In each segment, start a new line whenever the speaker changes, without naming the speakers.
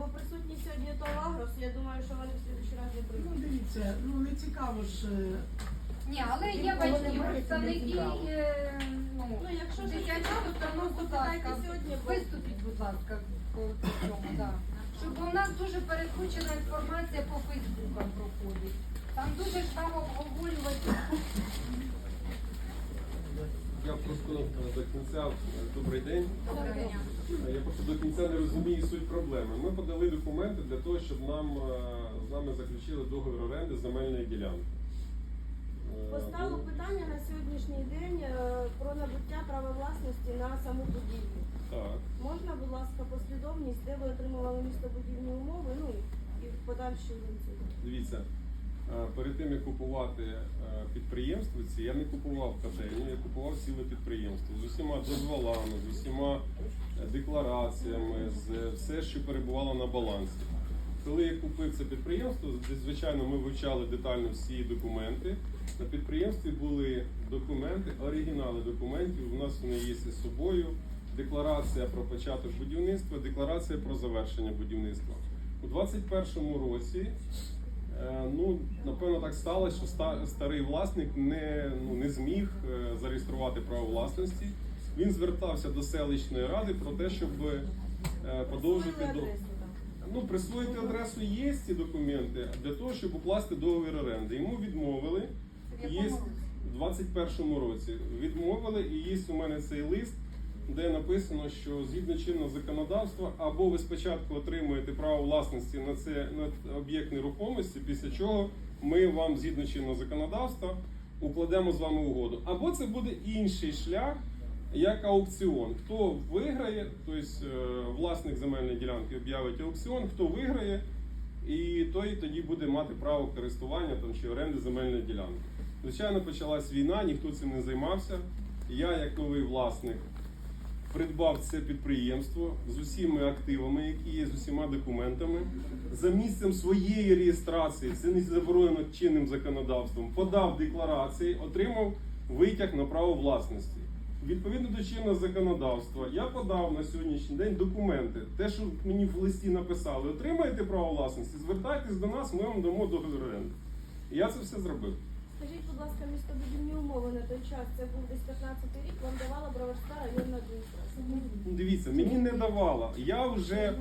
бо присутні сьогодні Толагрос, я думаю, що вони в слідчий раз не
Ну,
прийдуть.
дивіться, ну не цікаво ж.
Ні, але є батьки, представники, ну,
Ну, якщо ж
дитячого
цікаво, то
установ, будь
запитайте
ласка,
сьогодні, бо-
виступіть, будь ласка, по цьому, да. Щоб у нас дуже перекручена інформація по Фейсбукам проходить. Там дуже ж там обговорювати.
Я просто до кінця, добрий день.
Доброго дня.
Я просто до кінця не розумію суть проблеми. Ми подали документи для того, щоб з нами заключили договір оренди земельної ділянки.
Поставив питання на сьогоднішній день про набуття права власності на саму будівлю.
Так.
Можна, будь ласка, послідовність, де ви отримували містобудівні умови, ну і в подальшій ланцюг.
Дивіться, перед тим як купувати підприємство, я не купував котельню, я купував ціле підприємство з усіма дозволами, з усіма деклараціями, з все, що перебувало на балансі. Коли я купив це підприємство, звичайно, ми вивчали детально всі документи. На підприємстві були документи, оригінали документів. У нас вони є з собою. Декларація про початок будівництва, декларація про завершення будівництва. У 2021 році, ну, напевно, так сталося, що старий власник не зміг зареєструвати право власності. Він звертався до селищної ради про те, щоб подовжити до... Ну, присвоїти адресу є ці документи для того, щоб укласти договір оренди. Йому відмовили. Є в 2021 році. Відмовили, і є у мене цей лист, де написано, що згідно чинного законодавства, або ви спочатку отримуєте право власності на об'єкт нерухомості, після чого ми вам згідно чинного законодавства укладемо з вами угоду. Або це буде інший шлях, як аукціон. Хто виграє, тобто власник земельної ділянки об'явить аукціон, хто виграє, і той тоді буде мати право користування там, чи оренди земельної ділянки. Звичайно, почалась війна, ніхто цим не займався. Я, як новий власник, придбав це підприємство з усіма активами, які є, з усіма документами. За місцем своєї реєстрації, це не заборонено чинним законодавством, подав декларації, отримав витяг на право власності. Відповідно до чинного законодавства, я подав на сьогоднішній день документи. Те, що мені в листі написали, отримаєте право власності, звертайтесь до нас, ми вам дамо договір оренди. І я це все зробив.
Скажіть, будь ласка, містобудівні умови на той час, це був десь 15-й рік, вам давала Броварська районна адміністрація.
Дивіться, мені не давала. Я вже,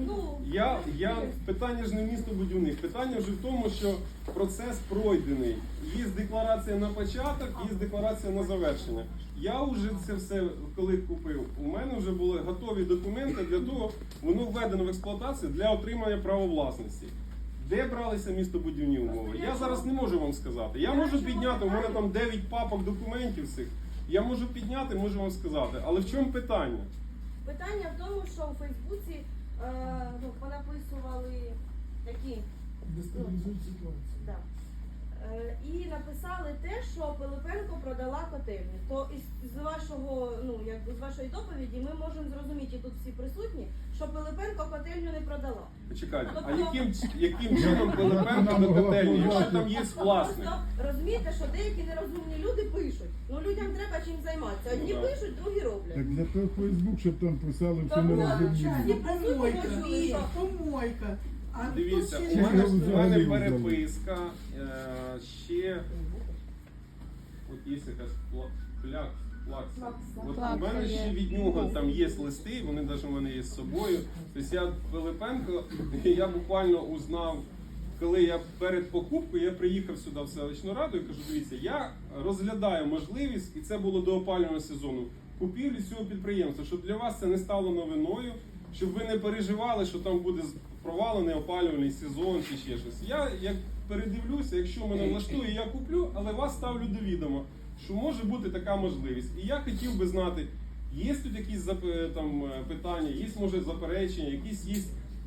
питання ж не містобудівних, питання вже в тому, що процес пройдений. Є декларація на початок, є декларація на завершення. Я вже це все, коли купив, у мене вже були готові документи для того, воно введено в експлуатацію для отримання права власності. Де бралися містобудівні умови? Я зараз не можу вам сказати. Я можу підняти, у мене там 9 папок документів цих. Я можу підняти, можу вам сказати. Але в чому питання?
Питання в тому, що у Фейсбуці понаписували такі.
Дестабілізують ситуацію.
Да. І написали те, що Пилипенко продала котельню. То з вашого, з вашої доповіді ми можемо зрозуміти, і тут всі присутні, що Пилипенко котельню не продала.
Почекайте, а яким чином Пилипенко до котельні, якщо там є власник?
Просто розумієте, що деякі нерозумні люди пишуть. Ну людям треба чим займатися. Одні пишуть, другі роблять.
Так для того Фейсбук, щоб там писали все
Тому
нерозуміло.
всі присутні
Помойка,
почули, що
помойка. А
Дивіться,
тут
у
ще
мене
взагалі
переписка, ще от є якась плакса. От у мене ще від нього там є листи, вони навіть у мене є з собою. Тобто я Пилипенко, я буквально узнав, коли я перед покупкою, я приїхав сюди в селищну раду і кажу, дивіться, я розглядаю можливість, і це було до опалювального сезону, купівлі цього підприємства, щоб для вас це не стало новиною, щоб ви не переживали, що там буде провалений опалювальний сезон чи ще щось. Я як передивлюся, якщо мене влаштує, я куплю, але вас ставлю до відома, що може бути така можливість. І я хотів би знати, є тут якісь там питання, є, може, заперечення, якісь є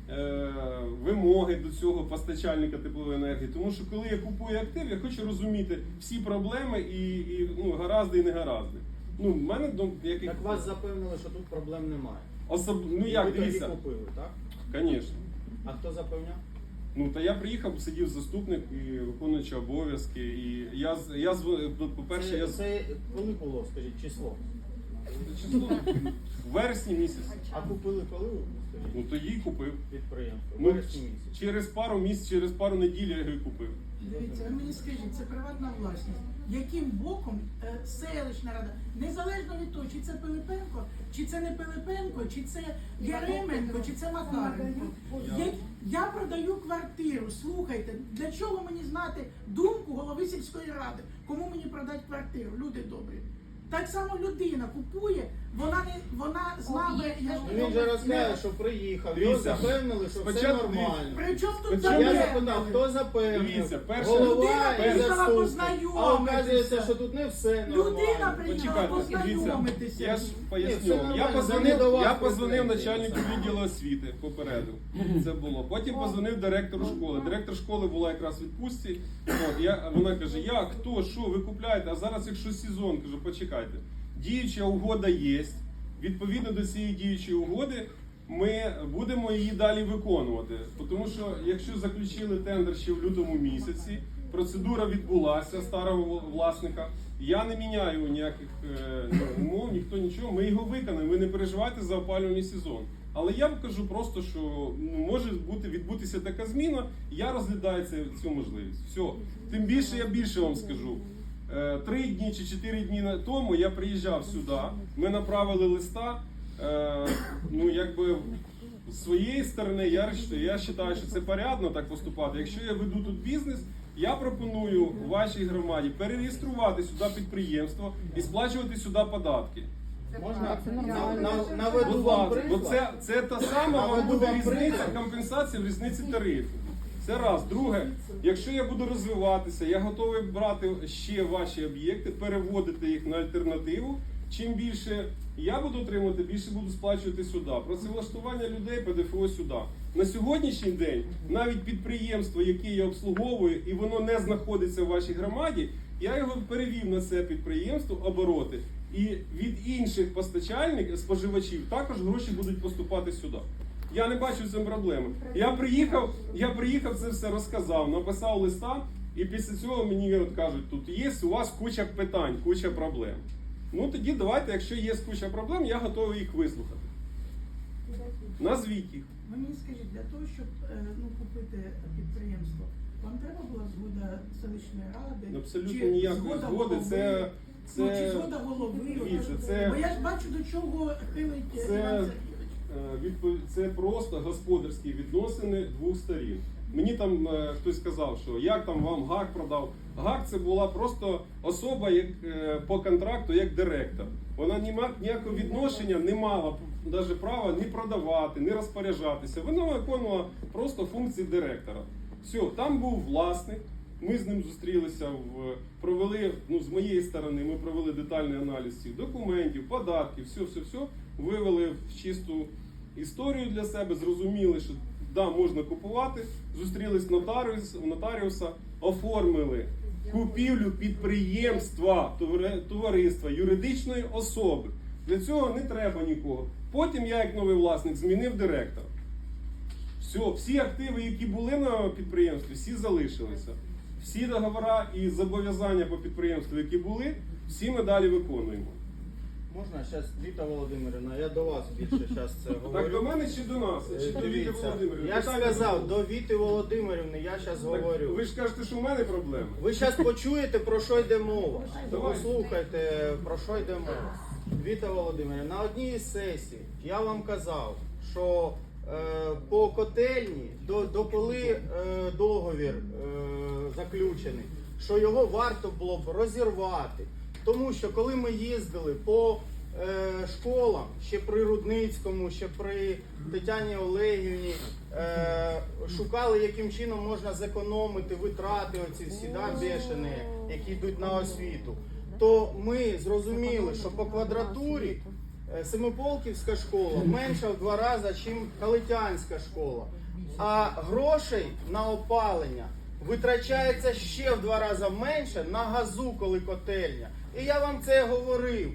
вимоги до цього постачальника теплової енергії. Тому що коли я купую актив, я хочу розуміти всі проблеми і гаразди і не гаразди. В мене
Так вас запевнили, що тут проблем немає.
Як,
ви
дивіться.
тоді купили, так?
Звісно.
А хто запевняв?
Та я приїхав, сидів заступник і виконуючий обов'язки. І по-перше,
Це коли було, скажіть, число?
Число в вересні місяці.
А купили коли ви?
Ну тоді й купив.
Підприємство. В
Ну,
вересні місяці.
через пару місяців, через пару неділь я його й купив.
Дивіться, ви мені скажіть, це приватна власність. Яким боком селищна рада, незалежно від того, чи це Пилипенко, чи це не Пилипенко, чи це Яременко, чи це Макаренко. Я продаю квартиру, слухайте, для чого мені знати думку голови сільської ради, кому мені продати квартиру, люди добрі. Так само людина купує, вона з нами.
Ну, він же розкаже, що приїхав, його
Дивіться,
запевнили, що все
спочатку
нормально.
При чому тут
Спочатку
Я
запевнили?
запитав, хто запевнив?
Дивіться, перше-
Голова
Людина
і
приїхала
заступник.
познайомитися.
А оказується, що тут не все
Людина
нормально.
приїхала
Почекайте, дивіться,
познайомитися.
я ж
Ні,
поясню.
все нормально,
Я
вони
позвонив,
до вас
я позвонив
претензії.
начальнику відділу освіти, попередив. Це було. Потім позвонив директору школи. Директор школи була якраз в відпустці. Вона каже, як, хто, що, ви купляєте, а зараз якщо сезон, кажу, почекайте. Діюча угода є. Відповідно до цієї діючої угоди ми будемо її далі виконувати. Тому що якщо заключили тендер ще в лютому місяці, процедура відбулася старого власника, я не міняю ніяких умов, ніхто нічого, ми його виконаємо, ви не переживайте за опалювальний сезон. Але я кажу просто, що може відбутися така зміна, я розглядаю цю можливість. Все. Тим більше я більше вам скажу. 3 дні чи 4 дні тому я приїжджав сюди, ми направили листа, з своєї сторони я вважаю, що це порядно так поступати. Якщо я веду тут бізнес, я пропоную вашій громаді перереєструвати сюди підприємство і сплачувати сюди податки.
Можна наведу
Будь
вам
ласка, бо
приклад?
це та сама вам
Наведу
буде
вам
різниця,
приклад.
компенсація в різниці тарифів. Це раз. Друге, якщо я буду розвиватися, я готовий брати ще ваші об'єкти, переводити їх на альтернативу. Чим більше я буду отримувати, більше буду сплачувати сюди. Працевлаштування людей, ПДФО сюди. На сьогоднішній день навіть підприємство, яке я обслуговую, і воно не знаходиться в вашій громаді, я його перевів на це підприємство обороти. І від інших постачальників, споживачів також гроші будуть поступати сюди. Я не бачу в цьому проблеми. Я приїхав, це все розказав, написав листа, і після цього мені кажуть, тут є у вас куча питань, куча проблем. Ну тоді давайте, якщо є куча проблем, я готовий їх вислухати. Назвіть їх.
Ви мені скажіть, для того, щоб купити підприємство, вам треба була згода селищної ради?
Абсолютно
Чи
ніякої
згода
згоди.
голови?
Це
Чи згода голови?
Дивіться, це-
Бо я ж бачу, до чого хилить Іван Сергійович.
це просто господарські відносини двох сторін. Мені там хтось сказав, що як там вам ГАК продав. ГАК це була просто особа по контракту як директор. Вона ніякого відношення не мала навіть права ні продавати, ні розпоряджатися. Вона виконувала просто функції директора. Все, там був власник. Ми з ним зустрілися, провели, з моєї сторони, ми провели детальний аналіз цих документів, податків, все, вивели в чисту історію для себе, зрозуміли, що да, можна купувати, зустрілись у нотаріуса, оформили купівлю підприємства, товариства, юридичної особи. Для цього не треба нікого. Потім я, як новий власник, змінив директора. Все, всі активи, які були на підприємстві, всі залишилися. Всі договори і зобов'язання по підприємству, які були, всі ми далі виконуємо.
Можна зараз, Віта Володимирівна, я до вас більше зараз це говорю.
Так до мене чи до нас? Чи до Віти
Дивіться,
Володимирівни?
я ж
Питання
сказав,
було.
до Віти Володимирівни я зараз
Так
говорю.
ви ж кажете, що в мене проблеми.
Ви зараз почуєте, про що йде мова.
Давай.
Послухайте, про що йде мова. Віта Володимирівна, на одній із сесій я вам казав, що по котельні, дополи договір заключений, що його варто було б розірвати. Тому що коли ми їздили по школам, ще при Рудницькому, ще при Тетяні Олегівні, шукали, яким чином можна зекономити витрати оці всі, бешені, які йдуть на освіту, то ми зрозуміли, що по квадратурі Семиполківська школа менша в 2 рази, ніж Калитянська школа. А грошей на опалення витрачається ще в 2 рази менше на газу, коли котельня. І я вам це говорив.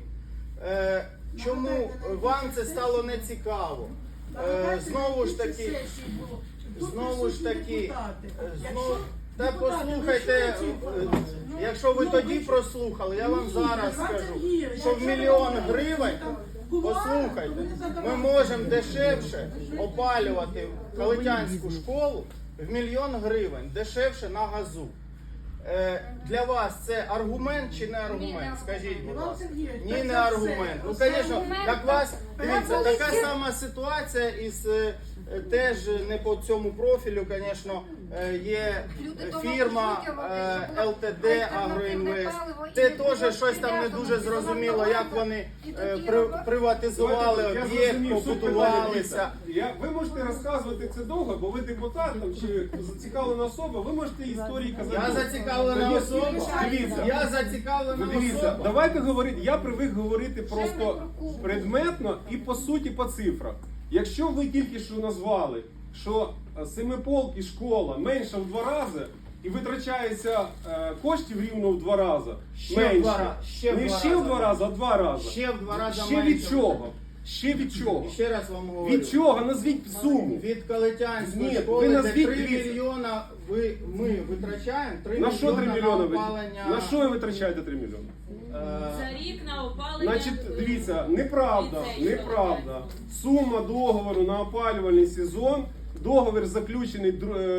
Чому вам це стало нецікаво? Знову ж таки, Та
Депутати,
послухайте,
ну, що ви ці
якщо ви
Ну,
тоді
ви-
прослухали, я вам
Ні,
зараз
Іван
скажу,
Сергійович,
що в
якщо ви
мільйон
говорите,
гривень,
там кулуари,
послухайте,
то не
ми
задавайте.
можемо дешевше опалювати Калитянську школу в 1 мільйон гривень, дешевше на газу. Для вас це аргумент чи не аргумент? Скажіть, будь
Іван
ласка.
Сергійович,
Ні,
так
не
за все.
аргумент. Ну,
Це
звісно,
аргумент.
так вас, дивіться,
Коли
така
всі-
сама ситуація із теж не по цьому профілю, звісно, є
Люди дома
фірма
купують, щоб
ЛТД
альтернативне
Агроінвест.
паливо, і
Це
не
теж щось там не дуже зрозуміло, як вони приватизували
Я
об'єкт,
зрозумів, суть питання,
побудувалися.
дивіться. Ви можете розказувати це довго, бо ви депутат там, чи зацікавлена особа, ви можете історії казати.
Я
довго.
зацікавлена
Та є-
особа.
Дивіться.
Я зацікавлена
Ну, дивіться,
особа.
давайте говорити. Я привик говорити
Ще
просто
не прокурор.
предметно і по суті по цифрах. Якщо ви тільки що назвали, що Семиполки школа менша в 2 рази і витрачається коштів рівно в 2 рази,
Ще в
менше.
2 рази, ще в
Не
2
ще в 2
рази.
рази, а в 2 рази.
Ще в 2 рази
Ще
менше.
від чого? Ще від чого?
Ще раз вам говорю.
Від чого? Назвіть суму.
Від Калитянської
Ні,
школи,
ви
де
назвіть
3
дивіться.
мільйона ми витрачаємо 3
На що 3
мільйона
мільйони
на
ви?
опалення.
На що ви витрачаєте 3 мільйони?
За рік на опалення.
Значить, дивіться, неправда,
ліцею,
неправда. Сума договору на опалювальний сезон, договір заключений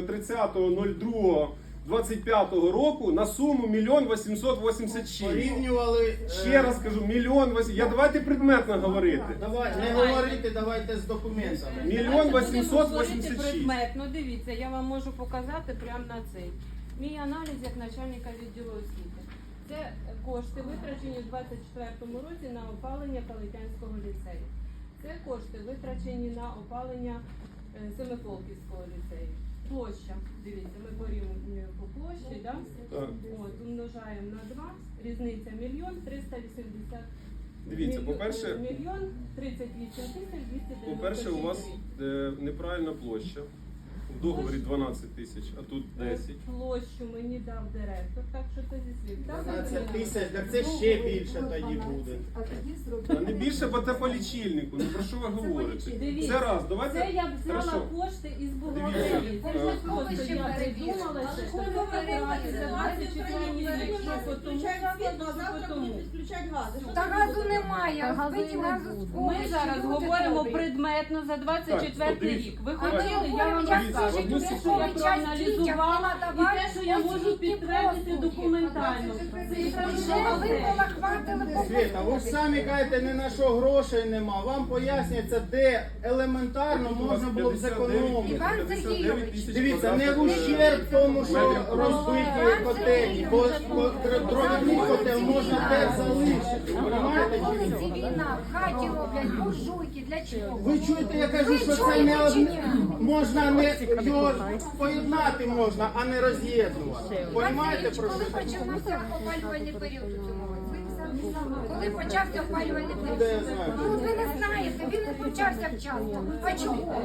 30.02.25 року на суму 1 886 000.
Порівнювали.
Ще раз кажу, 1 800 000. Я давайте предметно говорити.
Давай, не говорити, давайте з документами.
1
Говорити
886 000.
предметно, дивіться, я вам можу показати прямо на цей. Мій аналіз як начальника відділу освіти. Це кошти витрачені у 2024 році на опалення Калитянського ліцею. Це кошти витрачені на опалення Семиполківського ліцею. Площа, дивіться, ми порівнюємо по площі, да?
Так.
От, умножаємо на 2, різниця 1 380
Дивіться, по-перше,
1 38 290.
по-перше, у вас неправильна площа. В договорі 12 тисяч, а тут 10.
Площу мені дав директор, так що це зі слів.
12 тисяч, так це ще більше тоді буде.
А не більше, бо це по лічильнику. Ну про що ви говорите?
Дивіться,
Це раз, давайте.
Це я взяла
Хорошо.
кошти із бухгалтерії. Це
Дивіться,
ж просто я придумала,
Але ж
що
ми
це
говоримо про
за
ситуацію в
24
країні.
рік,
Сьогодні
що
нас
по тому
відключають світло, а
закладу,
завтра
що по тому.
будуть відключати гази. Що
Та
це
газу
буде?
немає, збиті газу з
Ми зараз говоримо предметно за 24
дивіться.
рік. Ви
А ми
хотіли, я вам
говоримо, як
Дивіться,
скажуть,
одну
те, що
секунду.
ви
я
час
проаналізувала і те, що я можу підтвердити документально.
Вже ви полахватили по
Світа, ви ж самі кажете, не на що грошей нема. Вам пояснюється, де елементарно можна було б зекономити.
Іван Сергійович,
Дивіться, не в ущерб тому, що розбиті котельні, бо дров'яний котел можна теж залишити. Понимаєте?
на вулиці війна, в хаті роблять буржуйки, для чого?
Ви чуєте, я кажу, що це не одне, можна не його поєднати можна, а не роз'єднувати. Понимаєте про
Коли
що?
почався опалювальний період у цьому році? Коли почався опалювальний
Де я
період?
знаю?
Ну ви не знаєте, він не почався вчасно. А чого?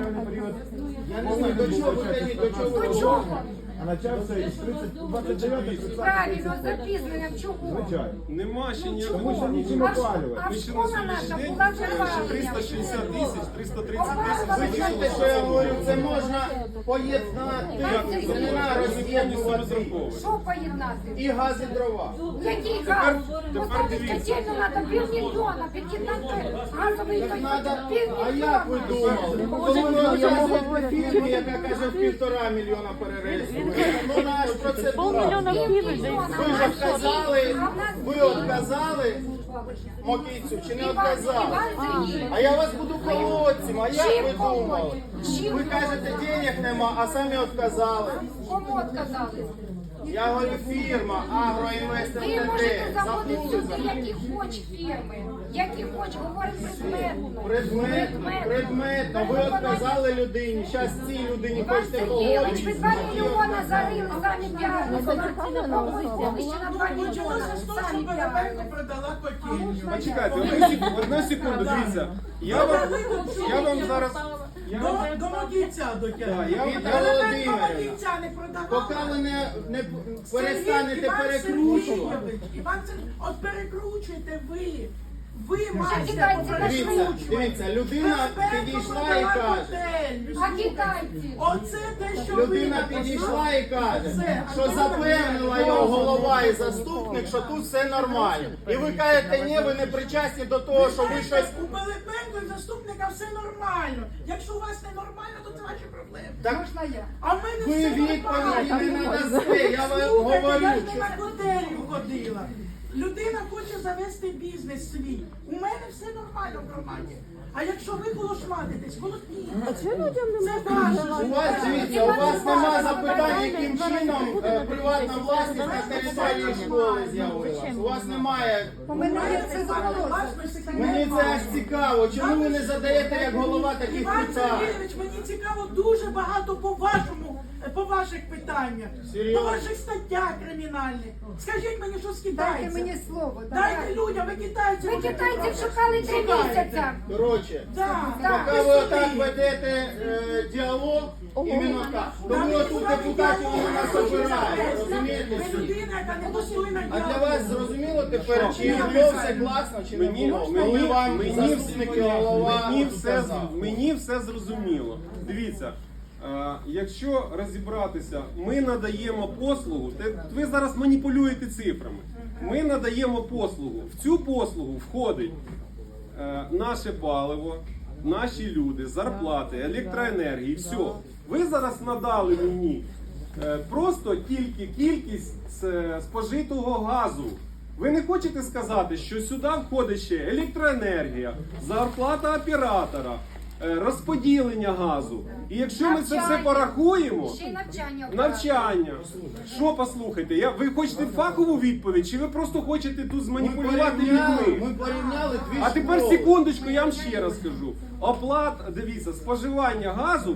Я не знаю, до чого ви тоді, до чого ви
До чого?
А почався із 29
Правильно, з запізненням чого?
Нема ще ніякого.
Тому що нічим
А
опалювати.
Ми ще на
школа
сьогоднішній
наша
день
була
ще
завалена.
360 тисяч, 330
Ви
тисяч.
чуєте, що я говорю? Це можна поєднати, це не на роз'єднувати.
Що поєднати?
І газ, і дрова.
Який газ?
тепер
Поставити
дивіться.
котельну треба півмільйона, під'єднати газовий
Так
котел
надо, а
півмільйона.
як ви думали? Коли ви розказуєте фірмі, яка каже 1,5 мільйона перерезів. Ну наш процедура. Ви ж отказали, ви отказали Мокійцю чи не отказали? А я вас буду колодцем, а як ви думали? Ви кажете, денег нема, а самі отказали.
Кому отказали?
Я говорю, фірма Агроінвест
Ви можете
ЛТД.
заводити
Забули
сюди,
за
які хоч фірми, які хоч, говорить предметно.
Предметно, ви отказали людині, зараз цій людині
Іван
хочете
Сергійович, ви 2
погодити.
мільйона зарили самі діагнозом. Ви ще на 2 мільйона
Почалося з того, що
самі
Пилипенко
діагнозом.
продала котельню.
Почекайте, одну секунду, дивіться. Я вам зараз.
До Мокійця
Да,
дотягнули.
я-
Пилипенко
Володимирівна,
Мокійця не продавав.
Поки ви не перестанете
Іван
перекручувати.
Сергійович, Іван Сергійович, от перекручуєте ви. Ви маєте
китайці
Дивіться, людина підійшла і каже.
А китайці?
Оце те, що
Людина
ви
підійшла і каже, що запевнила його голова і заступник, що тут все нормально. І ви кажете, ні, ви не причасні до того, що ви щось.
У Пилипенко і заступника все нормально. Якщо у вас не нормально, то це ваші проблеми.
Так
Можна я?
А в мене
ви
все
відповіді не надасте. Я вам
Слухайте,
говорю.
я ж не на котелю ходила. Людина хоче завести бізнес свій. У мене все нормально в громаді. А якщо ви колошматитесь, колотніть. Це ваше.
У вас, дивіться, у вас нема запитань, яким чином приватна власність на території школи з'явилась. У вас немає.
Мене це
Мені це аж цікаво. Чому ви не задаєте як голова таких
Іван
питань?
Сергійович, мені цікаво дуже багато по ваших питаннях,
Серйозно?
по ваших статтях кримінальних. Скажіть мені, що
Дайте
скидається.
мені слово.
Дайте людям, ви китайців.
Ви
будете
китайців
брати.
шукали 3
Шукаєте.
місяця.
Коротше,
Да.
поки ви отак ведете діалог, іменно так. Тому тут депутатів вони нас обирають. Розумієте?
Ви людина, яка не достойна
А для
діалогу.
вас зрозуміло тепер, чи було все класно, чи не було? Коли вам заступник і голова сказав.
мені все зрозуміло. Дивіться, якщо розібратися, ми надаємо послугу, ви зараз маніпулюєте цифрами. Ми надаємо послугу. В цю послугу входить наше паливо, наші люди, зарплати, електроенергії, все. Ви зараз надали мені просто тільки кількість спожитого газу. Ви не хочете сказати, що сюди входить ще електроенергія, зарплата оператора, розподілення газу. І якщо ми це все порахуємо,
Ще й
навчання. Що послухайте? Ви хочете фахову відповідь, чи ви просто хочете тут зманіпулювати людьми?
Ми порівняли дві
А тепер
школи.
секундочку, я вам ще раз скажу. Дивіться, споживання газу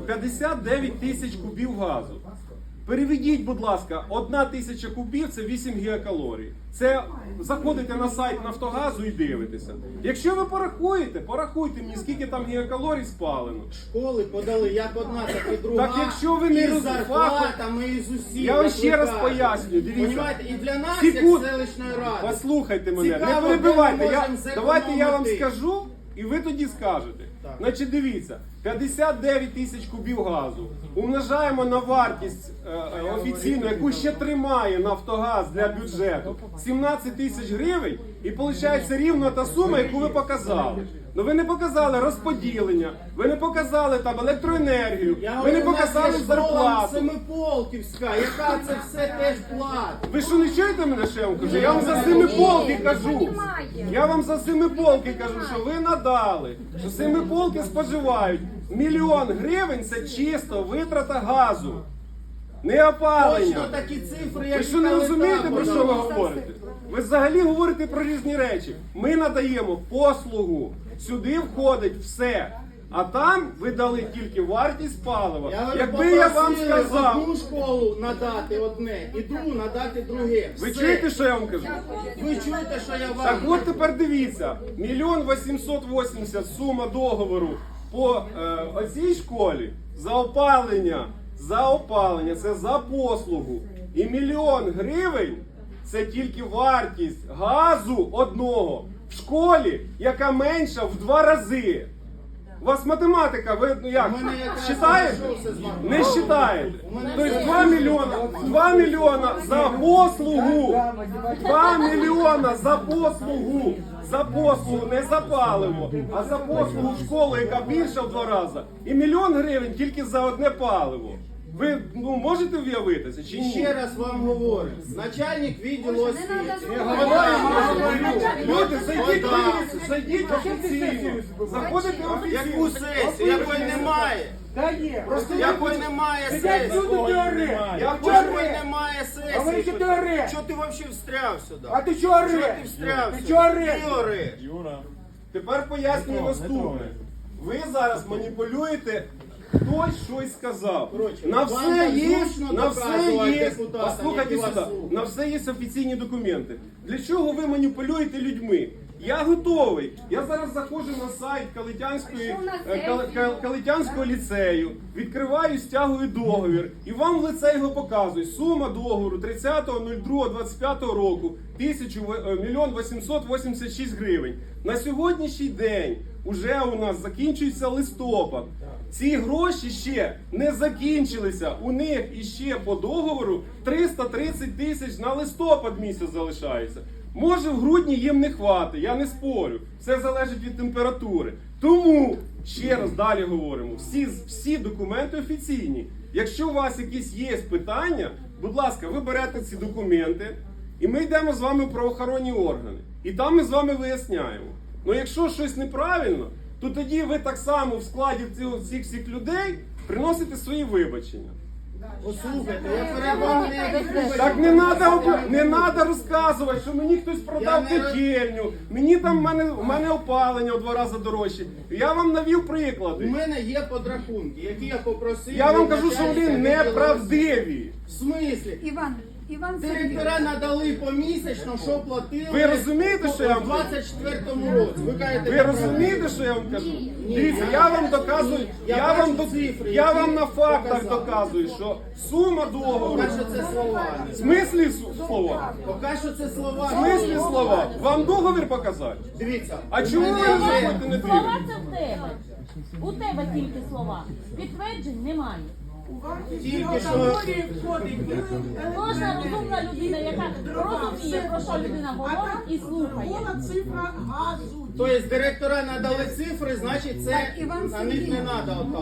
59 тисяч кубів газу. Переведіть, будь ласка, 1 тисяча кубів це 8 гігакалорій. Це заходите на сайт Нафтогазу і дивитеся. Якщо ви порахуйте мені, скільки там гігакалорій спалено.
Школи подали як одна, так і друга.
Так якщо ви не
і з
роз-
зарплатами, і з усім.
Я вам
як
ще
ви
раз
кажете.
пояснюю, дивіться.
Понімаєте? І для нас,
Секунд.
як селищної ради.
Послухайте мене,
Цікаво,
не
де ми
перебивайте.
можемо
Давайте я вам
зекономити.
скажу, і ви тоді скажете.
Так.
Значить, дивіться, 59 тисяч кубів газу умножаємо на вартість офіційну, яку ще тримає Нафтогаз для бюджету, 17 тисяч гривень, і виходить рівно та сума, яку ви показали. Ну ви не показали розподілення, ви не показали там електроенергію,
Я
ви
говорю,
не
у нас
показали
є школа
зарплату.
Семиполківська, яка це все теж платить.
Ви що не чуєте мене, що я вам кажу? Я вам за Семиполки кажу.
Немає.
Я вам за Семиполки кажу, що ви надали, що Семиполки споживають 1 мільйон гривень, це чисто витрата газу, не опалення.
Точно такі цифри, як
Ви що не
і
розумієте,
там
про що ви
подали?
говорите? Ви взагалі говорите про різні речі. Ми надаємо послугу, сюди входить все. А там ви дали тільки вартість палива.
Я говорю,
Якби я вам
попросили
сказав,
одну школу надати одне і другу надати друге.
ви
Все.
чуєте, що я вам кажу?
Ви чуєте, що я вам
Так от тепер дивіться, 1 880 000 сума договору по оцій школі за опалення, це за послугу. І 1 мільйон гривень це тільки вартість газу одного в школі, яка менша в 2 рази. У вас математика, ви ну як,
У мене якраз
считаєте?
знайшовся з вами.
Не считаєте.
У мене
Тобто
все
2 мільйона за послугу. 2 мільйона за послугу, не за паливо, а за послугу в школу, яка більша в 2 рази. І 1 мільйон гривень тільки за одне паливо. Ви можете уявитися чи
І
ні?
ще раз вам говорю, начальник відділу освіти.
Люди, зайдіть офіційно. Заходите
Яку
офіційно.
сесію? Якої немає?
Та є.
Просто
Якої немає
Сидять
сесії?
люди, ти ореш.
Якої немає
А ви
сесії?
що ти ореш?
Чого ти взагалі встряв сюди?
А ти чого
Чого
ореш?
ти встряв
Ти
сюди?
чого ореш?
Ти ореш.
Тепер пояснюю наступне. Ви зараз маніпулюєте, хтось щось сказав.
Коротше,
На
вам
все
так
є,
зручно
на все
доказувати
є,
депутатам,
послухайте
які вас
сюди,
слухають.
на все є офіційні документи. Для чого ви маніпулюєте людьми? Я готовий. Я зараз заходжу на сайт Калитянського ліцею, відкриваю, стягую договір і вам в лице його показую. Сума договору 30.02.25 року 1 886 гривень. На сьогоднішній день уже у нас закінчується листопад. Ці гроші ще не закінчилися. У них іще по договору 330 тисяч на листопад місяць залишається. Може, в грудні їм не хватить, я не спорю. Все залежить від температури. Тому, ще раз далі говоримо, всі документи офіційні. Якщо у вас якісь є питання, будь ласка, ви берете ці документи, і ми йдемо з вами в правоохоронні органи. І там ми з вами виясняємо. Ну якщо щось неправильно, то тоді ви так само в складі цих всіх людей приносите свої вибачення.
Послухайте, я перебуваю.
Так не треба розказувати, що мені хтось продав котельню, мені там в мене опалення в 2 рази дорожче. Я вам навів
У
приклади.
мене є подрахунки, які я попросив.
Я вам кажу,
начальника
що вони
відділу
неправдиві.
В смислі?
Іван
Директора надали помісячно, що платили.
Ви розумієте, що я вам
в
кажу?
24-му році. Ви кажете,
Ви розумієте, що я вам кажу? Дивіться, я вам доказую, я вам на фактах доказую, що сума договору.
Поки що це слова.
В смислі слова?
Поки що це
В
слова.
смислі слова? Вам договір показати?
Дивіться.
А чому ви не заходите не
Слова
дивитесь?
це в тебе. У тебе тільки слова. Підтверджень немає.
У вартість
Тільки
цього
що-
категорії входить
Кожна розумна людина, яка розуміє, про що людина говорить і слухає.
Була цифра газу.
Тобто директора надали цифри, значить це
Іван
на них не треба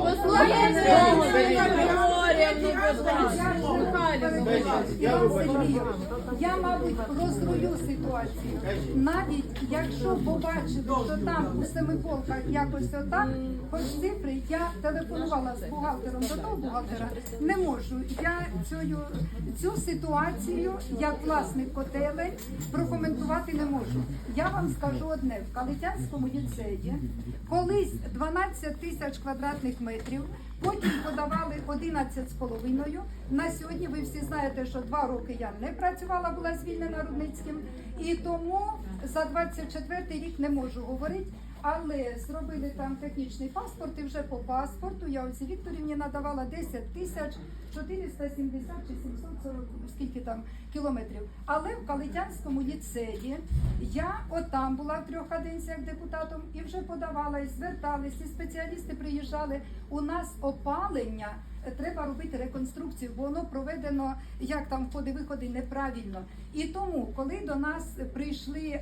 Я вибачаю.
Я, мабуть, розрулю ситуацію. Навіть якщо побачили, що там у Семиполках якось отак, хоч цифри, я телефонувала з бухгалтером до того бухгалтера, не можу. Я цю ситуацію, як власник котелень, прокоментувати не можу. Я вам скажу одне, в Калитянському ліцеї колись 12 тисяч квадратних метрів, потім подавали 11,5. На сьогодні ви всі знаєте, що 2 роки я не працювала, була звільнена Рудницьким, і тому за 24 рік не можу говорити. Але зробили там технічний паспорт, і вже по паспорту я Ользі Вікторівні надавала 10 тисяч 470 чи 740, скільки там кілометрів. Але в Калитянському ліцеї я отам була в 3 каденціях депутатом і вже подавала, і звертались, і спеціалісти приїжджали. У нас опалення, треба робити реконструкцію, бо воно проведено, як там входи-виходи, неправильно. І тому, коли до нас прийшли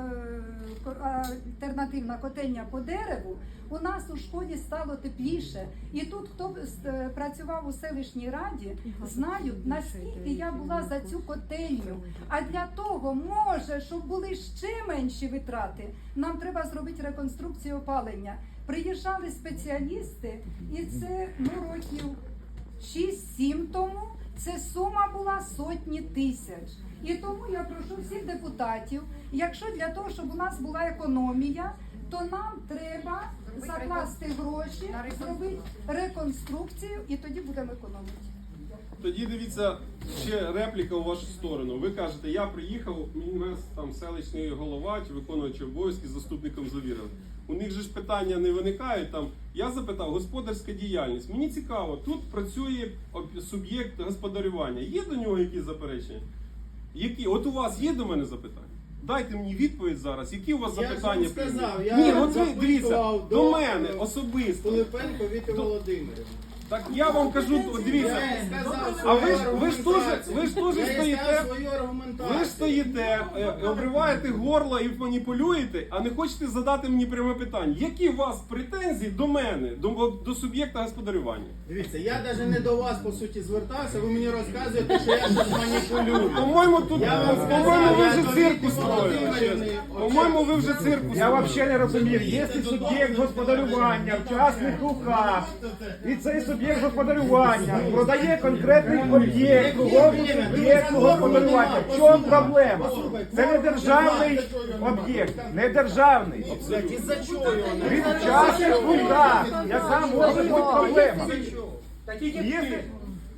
альтернативна котельня по дереву, у нас у школі стало тепліше. І тут, хто працював у селищній раді, знають, наскільки я була за цю котельню. А для того, може, щоб були ще менші витрати, нам треба зробити реконструкцію опалення. Приїжджали спеціалісти, і це років 6-7 тому, це сума була сотні тисяч. І тому я прошу всіх депутатів, якщо для того, щоб у нас була економія, то нам треба закласти гроші, зробити реконструкцію, і тоді будемо економити.
Тоді дивіться, ще репліка у вашу сторону. Ви кажете, я приїхав, мене там селищний голова чи виконуючий обов'язки з заступником завірили. У них же ж питання не виникають там. Я запитав, господарська діяльність. Мені цікаво, тут працює суб'єкт господарювання. Є до нього якісь заперечення? Які? От у вас є до мене запитання? Дайте мені відповідь зараз, які у вас
Я ж
запитання?
вам сказав, я
Ні, от ви дивіться,
запитував
до мене особисто.
Пилипенко Віти Володимирівни.
Так я вам кажу, от дивіться.
Я їй сказав
А
свою
ви ж теж
аргументацію. Я їй
стоїте.
сказав свою аргументацію.
Ви ж стоїте, обриваєте горло і маніпулюєте, а не хочете задати мені пряме питання. Які у вас претензії до мене, до суб'єкта господарювання?
Дивіться, я навіть не до вас, по суті, звертався, ви мені розказуєте, що я щось маніпулюю.
По-моєму, тут,
Я вам сказав,
по-моєму, ви
я
вже
до
цирку
Віти
строїли.
Володимирівни.
чесно. По-моєму, ви вже цирку
Я
строїли.
взагалі не розумів, якщо суб'єкт господарювання в частних руках, і цей суб'єкт господарювання продає конкретний об'єкт другому суб'єкту господарювання. В чому проблема? Це не державний об'єкт, не державний.
Із-за чого його не
Він в частних руках. Яка може бути проблема? Якщо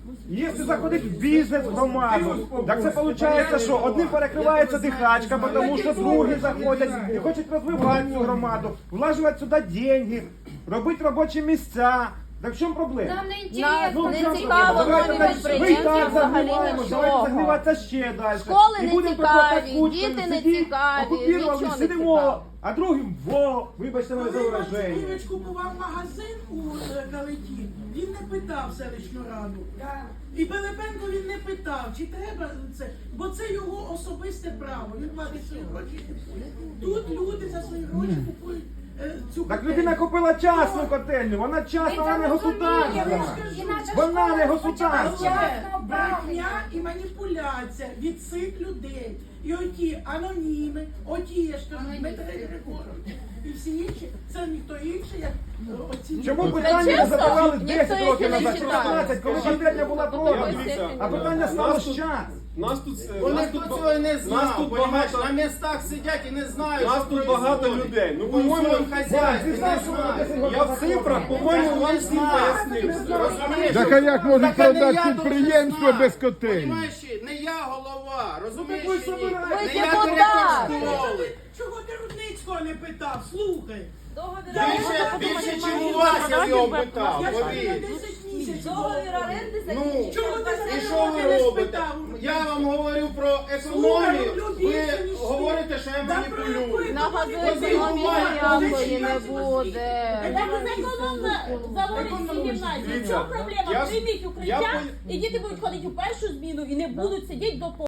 Якщо заходить в бізнес в громаду, так це виходить, що одним перекривається дихачка, тому що другі заходять і хочуть розвивати цю громаду, влажувати сюди деньги, робити робочі місця. Так в чому проблема?
Нам не
Нас
інтересно.
не
в чому
цікаво
проблема?
нові
Давайте ми і
підприємці
так
взагалі
загниваємо, давайте
нічого.
загниватися ще далі.
Школи
І
не
будемо
цікаві,
приходити кучками,
діти не
сидіть,
цікаві,
окупірували,
нічого не
сидимо,
цікаво.
а другим вибачте мене за
Коли
вираження.
Васильович купував магазин у Калиті, він не питав селищну раду. І Пилипенко він не питав, чи треба це, бо це його особисте право. Він платить свої гроші. Тут люди за свої гроші купують цю
Так
котельню.
людина купила частну котельню, вона частна, вона не государственна. Вона не государственна.
Це брехня і маніпуляція від цих людей. І оті аноніми, оті, я ж кажу, Дмитро Григорович, і всі інші, це ніхто інший, як оці.
Чому
люди.
питання не
чесно,
задавали
ніхто
10
їх
років
і не
назад, чи
читає.
15, коли котельня була продана?
Дивіться,
А питання стало з час.
Нас тут
Вони
нас
до
тут
цього і не
нас
знав,
тут
понімаєш,
багато-
на містах сидять і не знають,
Нас
що
тут багато
происходить.
людей. Ну,
У
по-моєму,
своєму хазяйстві
ти знаєш,
не
що
знають.
вони
Я в цифрах, по-моєму, вам всім пояснив.
Розумієш?
Так а як можуть
Так, а не
продати
я
підприємство
должен
без
знати.
котельні?
Понімаєш, не я голова, розумієш?
ви
чи ні?
собираєте.
Не
Ви
я
депутат.
директор школи.
Чого ти Рудницького не питав? Слухай.
Більше, чим у вас я його питав,
Я ж тобі
повір.
10 місяців.
Договір оренди
Ну,
закінчився.
Чому ти
і
за
що ви
не
робите?
спитав?
Я вам говорю про економію,
Слухай,
ви
більше, ніж ти.
говорите, що я
Да
маніпулюю.
про яку
На газу
Ось
економії
буває,
ніякої не буде. Так зекономно заводить всі гімназії. В
Дивіться,
чому проблема?
я-
Прийміть
я
укриття,
по-
і діти будуть ходити у першу зміну і не будуть сидіти до